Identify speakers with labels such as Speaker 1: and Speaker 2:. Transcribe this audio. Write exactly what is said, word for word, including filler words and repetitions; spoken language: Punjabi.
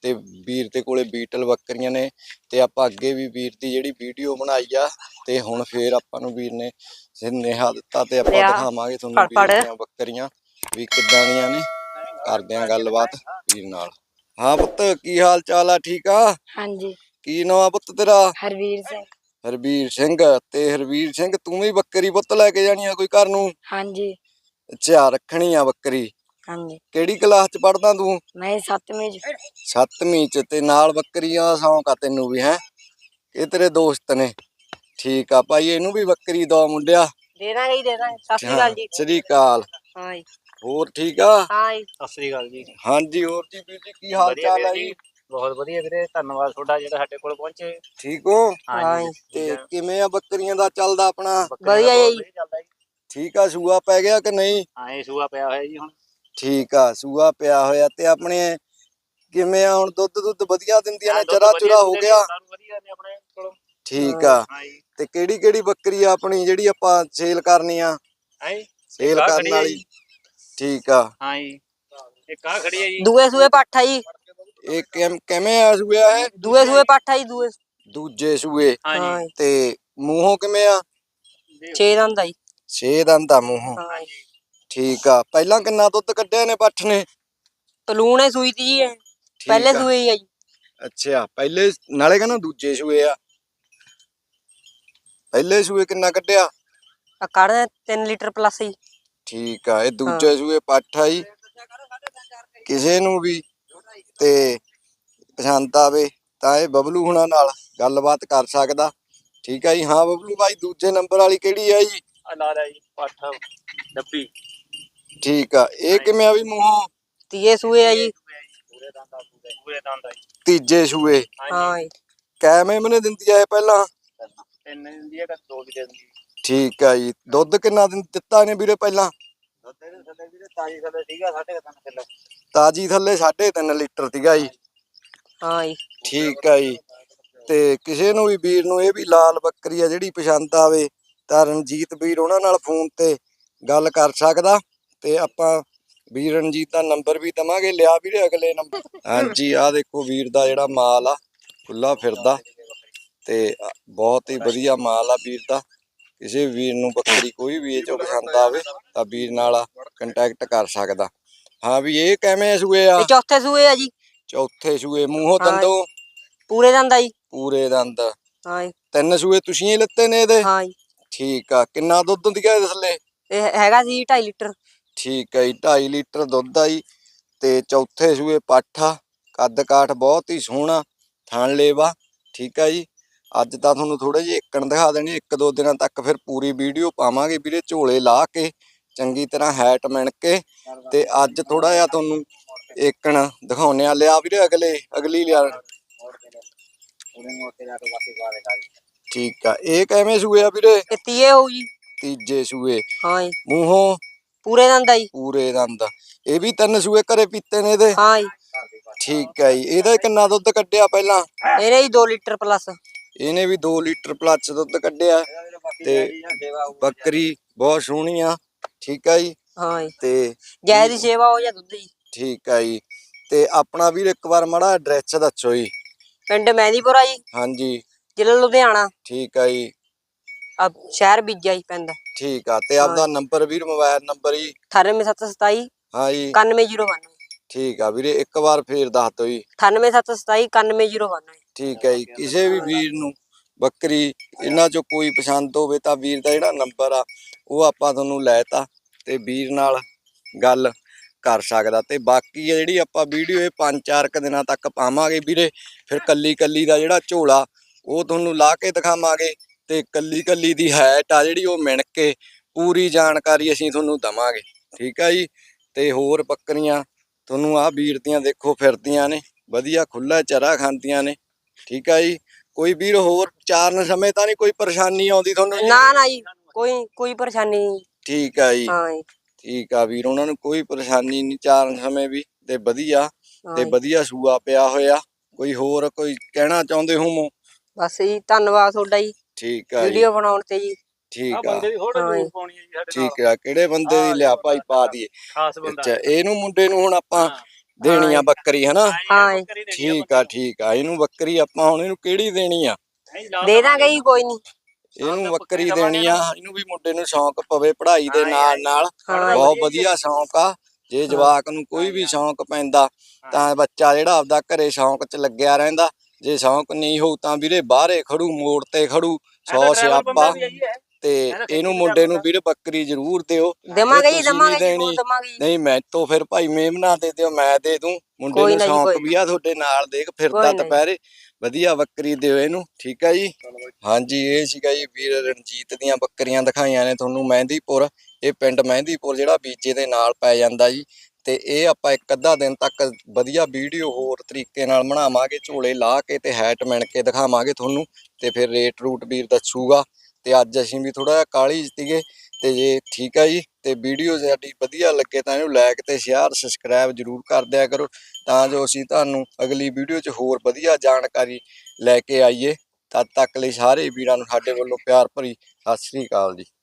Speaker 1: ਤੇ ਵੀਰ ਦੇ ਕੋਲੇ ਬੀਟਲ ਬੱਕਰੀਆਂ ਨੇ ਤੇ ਆਪਾਂ ਅੱਗੇ ਵੀ ਵੀਰ ਦੀ ਜਿਹੜੀ ਵੀਡੀਓ ਬਣਾਈ ਆ ਤੇ ਹੁਣ ਫੇਰ ਆਪਾਂ ਨੂੰ ਵੀਰ ਨੇ ਸੁਨੇਹਾ ਦਿੱਤਾ ਤੇ ਆਪਾਂ ਦਿਖਾਵਾਂਗੇ ਤੁਹਾਨੂੰ ਵੀਰ ਦੀਆਂ ਬੱਕਰੀਆਂ ਵੀ ਕਿੱਦਾਂ ਦੀਆਂ ਨੇ। ਕਰਦੇ ਆਂ ਗੱਲਬਾਤ ਵੀਰ ਨਾਲ। ਹਾਂ ਪੁੱਤ ਕੀ ਹਾਲ ਚਾਲ ਆ? ਠੀਕ ਆ?
Speaker 2: ਹਾਂਜੀ।
Speaker 1: ਕੀ ਨਾਂ ਆ ਪੁੱਤ ਤੇਰਾ?
Speaker 2: ਹਰਵੀਰ ਸਿੰਘ।
Speaker 1: ਹਰਵੀਰ ਸਿੰਘ। ਤੇ ਹਰਵੀਰ ਸਿੰਘ ਤੂੰ ਵੀ ਬੱਕਰੀ ਪੁੱਤ ਲੈ ਕੇ ਜਾਣੀ ਆ ਕੋਈ ਘਰ ਨੂੰ?
Speaker 2: ਹਾਂਜੀ।
Speaker 1: ਅੱਛਾ ਰੱਖਣੀ ਆ ਬੱਕਰੀ।
Speaker 2: ਹਾਂਜੀ।
Speaker 1: ਕਿਹੜੀ ਕਲਾਸ ਚ ਪੜਦਾ ਤੂੰ?
Speaker 2: ਮੈਂ ਸੱਤਵੀਂ ਚ।
Speaker 1: ਸੱਤਵੀਂ ਚ। ਤੇ ਨਾਲ ਬੱਕਰੀਆਂ ਦਾ ਸ਼ੌਂਕ ਆ ਤੈਨੂੰ ਵੀ? ਹੈ ਇਹ ਤੇਰੇ ਦੋਸਤ ਨੇ? ਠੀਕ ਆ ਭਾਈ ਇਹਨੂੰ ਵੀ ਬੱਕਰੀ ਦੋ ਮੁੰਡਿਆ।
Speaker 2: ਦੇ ਦਾਂਗੇ ਜੀ, ਦੇ ਦਾਂਗੇ। ਸਤਿ ਸ੍ਰੀ ਅਕਾਲ ਜੀ।
Speaker 1: ਸਤਿ ਸ੍ਰੀ ਅਕਾਲ।
Speaker 2: ਹਾਂ ਜੀ।
Speaker 1: ਹੋਰ ਠੀਕ ਆ?
Speaker 2: ਹਾਂ ਜੀ।
Speaker 3: ਸਤਿ ਸ੍ਰੀ ਅਕਾਲ ਜੀ।
Speaker 1: ਹਾਂਜੀ ਹੋਰ ਜੀ ਵੀਰ ਜੀ ਕੀ ਹਾਲ ਚਾਲ ਆ ਜੀ?
Speaker 3: ਬਹੁਤ ਵਧੀਆ ਵੀਰੇ, ਧੰਨਵਾਦ ਤੁਹਾਡਾ ਜਿਹੜਾ ਸਾਡੇ ਕੋਲ ਪਹੁੰਚੇ।
Speaker 1: ਠੀਕ ਹੋ?
Speaker 3: ਹਾਂ ਜੀ।
Speaker 1: ਤੇ ਕਿਵੇਂ ਆ ਬੱਕਰੀਆਂ ਦਾ ਚੱਲਦਾ ਆਪਣਾ?
Speaker 2: ਵਧੀਆ ਜੀ।
Speaker 1: ਠੀਕ ਆ। ਸੂਆ ਪੈ ਗਿਆ ਕਿ ਨਹੀਂ?
Speaker 3: ਹਾਂ ਇਹ ਸੂਆ ਪਿਆ ਹੋਇਆ ਜੀ ਹੁਣ।
Speaker 1: ਠੀਕ ਆ ਸੂਆ ਪਿਆ ਹੋਇਆ। ਤੇ ਆਪਣੇ ਕਿਵੇਂ ਆ ਹੁਣ ਦੁੱਧ ਦੁੱਧ ਵਧੀਆ ਦਿੰਦੀਆਂ ਨੇ? ਚਰਾ ਚੁਰਾ ਹੋ ਗਿਆ?
Speaker 3: ਵਧੀਆ ਨੇ ਆਪਣੇ ਕੋਲ।
Speaker 1: ਠੀਕ ਆ। ਤੇ ਕਿਹੜੀ ਕਿਹੜੀ ਬੱਕਰੀ ਆ ਆਪਣੀ ਜਿਹੜੀ ਆਪਾਂ ਸੇਲ ਕਰਨੀ ਆ? ਸੇਲ ਕਰਨ ਵਾਲੀ? ਠੀਕ ਆ।
Speaker 3: ਹਾਂ ਜੀ ਇੱਕ ਆ ਖੜੀ ਹੈ ਜੀ।
Speaker 2: ਦੂਏ ਸੂਏ ਪੱਠਾ ਜੀ।
Speaker 1: ਇਹ ਕਿਵੇਂ ਆ ਸੂਆ ਹੈ?
Speaker 2: ਦੂਏ ਸੂਏ ਪੱਠਾ ਜੀ। ਦੂਏ
Speaker 1: ਦੂਜੇ ਸੂਏ।
Speaker 2: ਹਾਂ ਜੀ।
Speaker 1: ਤੇ ਮੂੰਹੋਂ ਕਿਵੇਂ ਆ?
Speaker 2: ਛੇ ਦੰਦ ਆ ਜੀ।
Speaker 1: ਛੇ ਦੰਦ ਆ ਮੂੰਹੋਂ।
Speaker 2: ਹਾਂ ਜੀ।
Speaker 1: ਠੀਕ ਆ। ਪਹਿਲਾਂ ਕਿੰਨਾ ਦੁੱਧ ਕੱਢਿਆ ਨੇ ਪੱਠ ਨੇ?
Speaker 2: ਪਲੂਣੇ ਸੂਈ ਤੀ ਜੀ। ਪਹਿਲੇ ਸੂਏ ਹੀ ਆ ਜੀ।
Speaker 1: ਅੱਛਾ ਪਹਿਲੇ ਨਾਲੇ ਕਹਿੰਦਾ ਦੂਜੇ ਸੂਏ ਆ। ਪਹਿਲੇ ਸੂਏ ਕਿੰਨਾ ਕੱਢਿਆ?
Speaker 2: ਆ ਕੱਢ ਤਿੰਨ ਲੀਟਰ ਪਲੱਸ ਜੀ।
Speaker 1: ਠੀਕ ਆ। ਇਹ ਦੂਜੇ ਸੂਏ ਪੱਠ ਆ ਜੀ। ਕਿਸੇ ਨੂੰ ਵੀ ਤੇ ਪਸੰਦ ਆਵੇ ਤਾਂ ਇਹ ਬਬਲੂ ਹੁਣਾਂ ਨਾਲ ਗੱਲਬਾਤ ਕਰ ਸਕਦਾ। ਠੀਕ ਆ ਜੀ। ਹਾਂ ਬਬਲੂ ਭਾਈ ਦੂਜੇ ਨੰਬਰ ਵਾਲੀ ਕਿਹੜੀ ਆ ਜੀ?
Speaker 3: ਲਾ ਲੈ ਜੀ ਪੱਠ ਡੱਬੀ।
Speaker 1: ਠੀਕ ਆ। ਇਹ ਕਿਵੇਂ ਆ ਵੀ ਮੂੰਹੋਂ?
Speaker 2: ਤੀਏ ਸੂਏ ਆ ਜੀ।
Speaker 3: ਪੂਰੇ ਦੰਦ ਆ ਪੂਰੇ ਦੰਦ ਆ ਜੀ।
Speaker 1: ਤੀਜੇ ਸੂਏ।
Speaker 2: ਹਾਂ ਜੀ।
Speaker 1: ਕਿਵੇਂ ਮਹੀਨੇ ਦਿੰਦੀ ਆ ਇਹ ਪਹਿਲਾਂ?
Speaker 3: ਤਿੰਨ ਦਿੰਦੀ ਹੈ ਕਿ ਦੋ ਵੀ ਦੇ ਦਿੰਦੀ।
Speaker 1: ਠੀਕ ਆ ਜੀ। ਦੁੱਧ ਕਿੰਨਾ ਦਿਨ ਦਿੱਤਾ ਨੇ ਵੀਰੇ ਪਹਿਲਾਂ?
Speaker 3: ਤਾਜੀ ਥੱਲੇ ਸੀਗਾ ਸਾਢੇ ਤਿੰਨ ਕਿਲੋ।
Speaker 1: ਤਾਜੀ ਥੱਲੇ ਸਾਢੇ ਤਿੰਨ ਲੀਟਰ ਸੀਗਾ ਜੀ।
Speaker 2: ਹਾਂ ਜੀ।
Speaker 1: ਠੀਕ ਆ ਜੀ। ਤੇ ਕਿਸੇ ਨੂੰ ਵੀ ਵੀਰ ਨੂੰ ਇਹ ਵੀ ਲਾਲ ਬੱਕਰੀ ਆ ਜਿਹੜੀ ਪਸੰਦ ਆਵੇ ਤਾਂ ਰਣਜੀਤ ਵੀਰ ਉਹਨਾਂ ਨਾਲ ਫੋਨ ਤੇ ਗੱਲ ਕਰ ਸਕਦਾ। ਤੇ ਆਪਾਂ ਵੀਰ ਰਣਜੀਤ ਦਾ ਨੰਬਰ ਵੀ ਦਵਾਂਗੇ। ਲਿਆ ਵੀਰੇ ਅਗਲੇ ਨੰਬਰ। ਹਾਂਜੀ ਆਹ ਦੇਖੋ ਵੀਰ ਦਾ ਜਿਹੜਾ ਮਾਲ ਆ ਖੁੱਲਾ ਫਿਰਦਾ ਤੇ ਬਹੁਤ ਹੀ ਵਧੀਆ ਮਾਲ ਆ ਵੀਰ ਦਾ। ਕਿਸੇ ਵੀਰ ਨੂੰ ਬੱਕਰੀ ਕੋਈ ਵੀ ਇਹ ਚੋਂ ਪਸੰਦ ਆਵੇ ਤਾਂ ਵੀਰ ਨਾਲ ਕੰਟੈਕਟ ਕਰ ਸਕਦਾ। ਹਾਂ ਵੀ ਇਹ ਕਿਵੇਂ ਸੂਏ ਆ?
Speaker 2: ਇਹ ਚੌਥੇ ਸੂਏ ਆ ਜੀ।
Speaker 1: ਚੌਥੇ ਸੂਏ। ਮੂੰਹੋਂ ਦੰਦੋਂ?
Speaker 2: ਪੂਰੇ ਦੰਦ ਆ ਜੀ।
Speaker 1: ਪੂਰੇ ਦੰਦ।
Speaker 2: ਹਾਂ ਜੀ।
Speaker 1: ਤਿੰਨ ਸੂਏ ਤੁਸੀਂ ਹੀ ਲਿੱਤੇ ਨੇ ਇਹਦੇ?
Speaker 2: ਹਾਂ ਜੀ।
Speaker 1: ਠੀਕ ਆ। ਕਿੰਨਾ ਦੁੱਧ ਹੁੰਦੀ ਆ ਇਹਦੇ ਥੱਲੇ? ਇਹ
Speaker 2: ਹੈਗਾ ਜੀ ਢਾਈ ਲੀਟਰ।
Speaker 1: ਠੀਕ ਆ ਜੀ। ਢਾਈ ਲੀਟਰ ਦੁੱਧ ਆ ਜੀ। ਤੇ ਚੌਥੇ ਸੂਏ ਪੱਠ ਆ। ਕੱਦ ਕਾਠ ਬਹੁਤ ਹੀ ਸੋਹਣਾ। ਥਣ ਲੇਵਾ। ਠੀਕ ਆ ਜੀ। ਅੱਜ ਤਾਂ ਤੁਹਾਨੂੰ ਥੋੜੇ ਜਿਹੇ ਏਕਣ ਦਿਖਾ ਦੇਣੀ। ਇੱਕ ਦੋ ਦਿਨਾਂ ਤੱਕ ਫਿਰ ਪੂਰੀ ਵੀਡੀਓ ਪਾਵਾਂਗੇ ਵੀਰੇ ਝੋਲੇ ਲਾ ਕੇ ਚੰਗੀ ਤਰ੍ਹਾਂ ਹੈਟ ਮਿਣ ਕੇ। ਤੇ ਅੱਜ ਥੋੜਾ ਜਿਹਾ ਤੁਹਾਨੂੰ ਏਕਣ ਦਿਖਾਉਣੇ ਆ। ਲਿਆ ਵੀਰੇ ਅਗਲੇ ਅਗਲੀ ਲਿਆ। ਠੀਕ ਆ। ਇਹ ਕਿਵੇਂ ਸੂਏ ਆ ਵੀਰੇ?
Speaker 2: ਇਹ ਤੀਏ ਹੋਊ ਜੀ।
Speaker 1: ਤੀਜੇ ਸੂਏ।
Speaker 2: ਹਾਂ ਜੀ।
Speaker 1: ਮੂੰਹੋਂ?
Speaker 2: ਪੂਰੇ ਦੰਦ ਆ ਜੀ।
Speaker 1: ਪੂਰੇ ਦੰਦ। ਇਹ ਵੀ ਤਿੰਨ ਸੂਏ ਘਰੇ ਪੀਤੇ ਨੇ ਇਹਦੇ?
Speaker 2: ਹਾਂ ਜੀ।
Speaker 1: ਠੀਕ ਆ ਜੀ। ਇਹਦਾ ਕਿੰਨਾ ਦੁੱਧ ਕੱਢਿਆ ਪਹਿਲਾਂ?
Speaker 2: ਇਹਨੇ ਜੀ ਦੋ ਲੀਟਰ ਪਲੱਸ।
Speaker 1: ਇਹਨੇ ਵੀ ਦੋ ਲੀਟਰ ਪਲੱਸ ਦੁੱਧ ਕੱਢਿਆ। ਤੇ ਬੱਕਰੀ ਬਹੁਤ ਸੋਹਣੀ ਆ। ਠੀਕ ਆ ਜੀ।
Speaker 2: ਹਾਂ ਜੀ।
Speaker 1: ਤੇ
Speaker 2: ਗਾਂ ਦੀ ਸੇਵਾ ਹੋ ਜਾ ਦੁੱਧ ਜੀ।
Speaker 1: ਠੀਕ ਆ ਜੀ। ਤੇ ਆਪਣਾ ਵੀਰ ਇੱਕ ਵਾਰ ਮਾੜਾ ਐਡਰੈਸ ਦੱਸੋ ਜੀ।
Speaker 2: ਪਿੰਡ ਮਹਿੰਦੀਪੁਰਾ ਜੀ।
Speaker 1: ਹਾਂਜੀ।
Speaker 2: ਜ਼ਿਲ੍ਹਾ ਲੁਧਿਆਣਾ।
Speaker 1: ਠੀਕ ਆ ਜੀ।
Speaker 2: ਆ ਸ਼ਹਿਰ ਬੀਜਾ ਜੀ ਪੈਂਦਾ।
Speaker 1: ਠੀਕ ਆ। ਤੇ ਆਪਦਾ ਨੰਬਰ ਵੀਰ ਮੋਬਾਈਲ ਨੰਬਰ ਜੀ?
Speaker 2: ਅਠਾਨਵੇਂ ਸੱਤ ਸਤਾਈ
Speaker 1: ਹਾਂ ਜੀ
Speaker 2: ਇਕਾਨਵੇਂ ਜ਼ੀਰੋ ਬਾਨਵੇਂ।
Speaker 1: ਠੀਕ ਆ ਵੀਰੇ ਇੱਕ ਵਾਰ ਫੇਰ ਦੱਸ ਦਿਓ ਜੀ।
Speaker 2: ਅਠਾਨਵੇਂ ਸੱਤ ਸਤਾਈ ਇਕਾਨਵੇਂ ਜ਼ੀਰੋ ਬਾਨਵੇਂ।
Speaker 1: ਠੀਕ ਹੈ ਜੀ। ਕਿਸੇ ਵੀ ਵੀਰ ਨੂੰ ਬੱਕਰੀ ਇਹਨਾਂ ਚੋਂ ਕੋਈ ਪਸੰਦ ਹੋਵੇ ਤਾਂ ਵੀਰ ਦਾ ਜਿਹੜਾ ਨੰਬਰ ਆ ਉਹ ਆਪਾਂ ਤੁਹਾਨੂੰ ਲੈ ਤਾ ਤੇ ਵੀਰ ਨਾਲ ਗੱਲ ਕਰ ਸਕਦਾ। ਤੇ ਬਾਕੀ ਜਿਹੜੀ ਆਪਾਂ ਵੀਡੀਓ ਇਹ ਪੰਜ ਚਾਰ ਕੁ ਦਿਨਾਂ ਤੱਕ ਪਾਵਾਂਗੇ ਵੀਰੇ। ਫਿਰ ਕੱਲੀ ਕੱਲੀ ਦਾ ਜਿਹੜਾ ਝੋਲਾ ਉਹ ਤੁਹਾਨੂੰ ਲਾ ਕੇ ਦਿਖਾਵਾਂਗੇ ਤੇ ਕੱਲੀ ਕੱਲੀ ਦੀ ਹੈਟ ਆ ਜਿਹੜੀ ਉਹ ਮਿਣ ਕੇ ਪੂਰੀ ਜਾਣਕਾਰੀ ਅਸੀਂ ਤੁਹਾਨੂੰ ਦਵਾਂਗੇ। ਠੀਕ ਆ ਜੀ। ਤੇ ਹੋਰ ਬੱਕਰੀਆਂ ਤੁਹਾਨੂੰ ਆਹ ਵੀਰ ਦੀਆਂ ਦੇਖੋ ਫਿਰਦੀਆਂ ਨੇ ਵਧੀਆ ਖੁੱਲਾ ਚਰਾ ਖਾਂਦੀਆਂ ਨੇ। ਠੀਕ ਆ ਜੀ। ਕੋਈ ਵੀਰ ਹੋਰ ਚਾਰਨ ਸਮੇਂ ਤਾਂ ਨਹੀਂ ਕੋਈ ਪਰੇਸ਼ਾਨੀ ਆਉਂਦੀ ਤੁਹਾਨੂੰ?
Speaker 2: ਨਾ ਨਾ ਜੀ ਕੋਈ ਕੋਈ ਪਰੇਸ਼ਾਨੀ ਨਹੀਂ।
Speaker 1: ਠੀਕ ਆ ਜੀ।
Speaker 2: ਹਾਂ ਜੀ।
Speaker 1: ਠੀਕ ਆ ਵੀਰ ਉਹਨਾਂ ਨੂੰ ਕੋਈ ਪਰੇਸ਼ਾਨੀ ਨਹੀਂ ਚਾਰਨ ਸਮੇਂ ਵੀ ਤੇ ਵਧੀਆ ਤੇ ਵਧੀਆ ਸੂਆ ਪਿਆ ਹੋਇਆ। ਕੋਈ ਹੋਰ ਕੋਈ ਕਹਿਣਾ ਚਾਹੁੰਦੇ ਹੋਵੋ?
Speaker 2: ਬਸ ਜੀ ਧੰਨਵਾਦ ਤੁਹਾਡਾ ਜੀ।
Speaker 1: ਠੀਕ ਆ।
Speaker 2: ਵੀਡੀਓ ਬਣਾਉਣ ਤੇ ਜੀ।
Speaker 1: ਠੀਕ ਆ।
Speaker 3: ਠੀਕ
Speaker 1: ਆ। ਕਿਹੜੇ ਬੰਦੇ ਦੀ? ਲਿਆ ਭਾਈ ਪਾ ਦਈਏ। ਅੱਛਾ ਇਹਨੂੰ ਮੁੰਡੇ ਨੂੰ ਹੁਣ ਆਪਾਂ ਦੇਣੀ ਆ ਬੱਕਰੀ ਹਨਾ?
Speaker 2: ਹਾਂ
Speaker 1: ਠੀਕ ਆ ਠੀਕ ਆ। ਇਹਨੂੰ ਬੱਕਰੀ ਆਪਾਂ ਹੁਣ ਇਹਨੂੰ ਕਿਹੜੀ ਦੇਣੀ ਆ?
Speaker 2: ਦੇ ਦਾਂਗੇ ਜੀ, ਕੋਈ ਨਹੀਂ।
Speaker 1: ਇਹਨੂੰ ਬੱਕਰੀ ਦੇਣੀ ਆ। ਇਹਨੂੰ ਵੀ ਮੁੰਡੇ ਨੂੰ ਸ਼ੌਂਕ ਪਵੇ ਪੜ੍ਹਾਈ ਦੇ ਨਾਲ ਨਾਲ,
Speaker 2: ਹਾਂ।
Speaker 1: ਬਹੁਤ ਵਧੀਆ ਸ਼ੌਂਕ ਆ। ਜੇ ਜਵਾਕ ਨੂੰ ਕੋਈ ਵੀ ਸ਼ੌਂਕ ਪੈਂਦਾ ਤਾਂ ਬੱਚਾ ਜਿਹੜਾ ਆਪਦਾ ਘਰੇ ਸ਼ੌਂਕ 'ਚ ਲੱਗਿਆ ਰਹਿੰਦਾ। ਜੇ ਸ਼ੌਂਕ ਨਹੀਂ ਹੋਊ ਤਾਂ ਵੀਰੇ ਬਾਹਰੇ ਖੜੂ, ਮੋੜ ਤੇ ਖੜੂ, ਸੌ ਸਿਆਪਾ। ਤੇ ਇਹਨੂੰ ਮੁੰਡੇ ਨੂੰ ਵੀਰੇ ਬੱਕਰੀ ਜ਼ਰੂਰ ਦਿਓ।
Speaker 2: ਦੇਵਾਂਗੇ ਜੀ,
Speaker 1: ਤੁਸੀਂ ਨੀ
Speaker 2: ਦੇਵਾਂਗੇ
Speaker 1: ਦੇਣੀ ਨਹੀਂ ਮੈਂ ਤੋਂ ਫਿਰ ਭਾਈ ਮੇਮਨਾ ਦੇ ਦਿਓ, ਮੈਂ ਦੇ ਦੂੰ। ਮੁੰਡੇ
Speaker 2: ਕੋਈ
Speaker 1: ਨੂੰ
Speaker 2: ਨਾ ਜੀ,
Speaker 1: ਸ਼ੌਂਕ
Speaker 2: ਕੋਈ
Speaker 1: ਵੀ ਆ ਤੁਹਾਡੇ ਨਾਲ, ਦੇਖ ਫਿਰਦਾ
Speaker 2: ਕੋਈ ਨਾ ਜੀ।
Speaker 1: ਦੁਪਹਿਰੇ। ਵਧੀਆ ਬੱਕਰੀ ਦਿਓ ਇਹਨੂੰ, ਠੀਕ ਆ ਜੀ। ਹਾਂਜੀ, ਇਹ ਸੀਗਾ ਜੀ ਵੀਰ ਰਣਜੀਤ ਦੀਆਂ ਬੱਕਰੀਆਂ ਦਿਖਾਈਆਂ ਨੇ ਤੁਹਾਨੂੰ ਮਹਿੰਦੀਪੁਰ। ਇਹ ਪਿੰਡ ਮਹਿੰਦੀਪੁਰ ਜਿਹੜਾ ਬੀਜੇ ਦੇ ਨਾਲ ਪੈ ਜਾਂਦਾ ਜੀ। ਤੇ ਇਹ ਆਪਾਂ ਇੱਕ ਅੱਧਾ ਦਿਨ ਤੱਕ ਵਧੀਆ ਵੀਡੀਓ ਹੋਰ ਤਰੀਕੇ ਨਾਲ ਬਣਾਵਾਂਗੇ, ਝੋਲੇ ਲਾ ਕੇ ਤੇ ਹੈਟ ਮਿਣ ਕੇ ਦਿਖਾਵਾਂਗੇ ਤੁਹਾਨੂੰ, ਤੇ ਫਿਰ ਰੇਟ ਰੂਟ ਵੀਰ ਦੱਸੂਗਾ। ਤੇ ਅੱਜ ਅਸੀਂ ਵੀ ਥੋੜਾ ਜਿਹਾ ਕਾਹਲੀ ਸੀਗੇ। ਤੇ ਜੇ ਠੀਕ ਆ ਜੀ, ਤੇ ਵੀਡੀਓ ਸਾਡੀ ਵਧੀਆ ਲੱਗੇ ਤਾਂ ਇਹਨੂੰ ਲਾਈਕ ਤੇ ਸ਼ੇਅਰ ਸਬਸਕ੍ਰਾਈਬ ਜ਼ਰੂਰ ਕਰ ਦਿਆ ਕਰੋ, ਤਾਂ ਜੋ ਅਸੀਂ ਤੁਹਾਨੂੰ ਅਗਲੀ ਵੀਡੀਓ 'ਚ ਹੋਰ ਵਧੀਆ ਜਾਣਕਾਰੀ ਲੈ ਕੇ ਆਈਏ। ਤਦ ਤੱਕ ਲਈ ਸਾਰੇ ਵੀਰਾਂ ਨੂੰ ਸਾਡੇ ਵੱਲੋਂ ਪਿਆਰ ਭਰੀ ਸਤਿ ਸ੍ਰੀ ਅਕਾਲ ਜੀ।